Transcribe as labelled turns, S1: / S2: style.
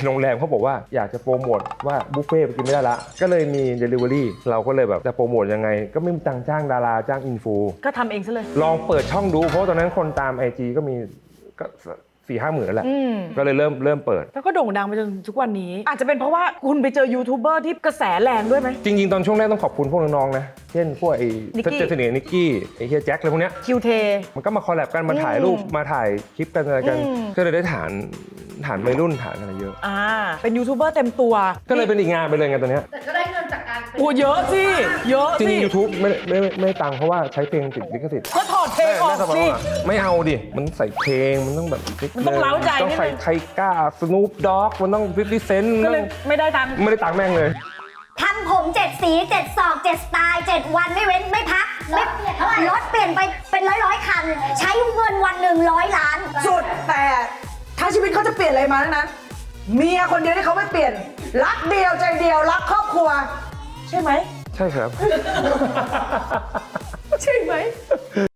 S1: โรงแรมเขาบอกว่าอยากจะโปรโมทว่าบุฟเฟ่ต์ไปกินไม่ได้ละก็เลยมี Delivery เราก็เลยแบบจะโปรโมทยังไงก็ไม่มีตังค์จ้างดาราจ้างอินฟู
S2: ก็ทำเองซะเลย
S1: ลองเปิดช่องดูเพราะตอนนั้นคนตาม IG ก็มีก็4-5 หมื่นแล้วแหละก็เลยเริ่มเปิด
S2: แล้วก็โด่งดังไปจนทุกวันนี้อาจจะเป็นเพราะว่าคุณไปเจอยูทูบเบอร์ที่กระแสแรงด้วยไหม
S1: จริงๆตอนช่วงแรกต้องขอบคุณพวกน้องๆนะเช่นพวกไอ้เจสเนียนิกกี้ไอ้เฮียแจ็คอะไรพวกเนี้ย
S2: คิวเท
S1: มันก็มาคอลแลบกันมาถ่ายรูปมาถ่ายคลิปกันอะไรกันก็เลยได้ฐานวัยรุ่นฐานอะไรเยอะ
S2: เป็นยูทูบเบอร์เต็มตัว
S1: ก็เลยเป็นอีกงานไปเลยไงตัวเนี้ย
S3: แต่ก็ได้เงินจากการเป็น
S2: โอ้เยอะสิเยอะ
S1: จริ
S2: สิ
S1: งๆ YouTube ไม่ตังค์เพราะว่าใช้เพลงติดลิขสิทธิ์
S2: ก็ถอดเพลงออกสิ
S1: ไม่เอาดิมันใส่เพลงมันต้องแบบ
S2: มันต้องเล้าใจ
S1: ต้องใส่ไทก้าสนูปด็อกมันต้อง50 เซนต์
S2: ก็เลยไม่ได้ตังค์
S1: แม่งเลย
S4: ทำผม7 สี7 ศอก7 สไตล์7 วันไม่เว้นไม่พักรถเปลี่ยนไปเป็นร้อยคัน ใช้เงินวันหนึ่ง100 ล้าน
S5: สุดแต่ถ้าชีวิตเขาจะเปลี่ยนอะไรมานั้นเมียคนเดียวที่เขาไม่เปลี่ยนรักเดียวใจเดียวรักครอบครัวใช่ไหม
S1: ใช่ครับ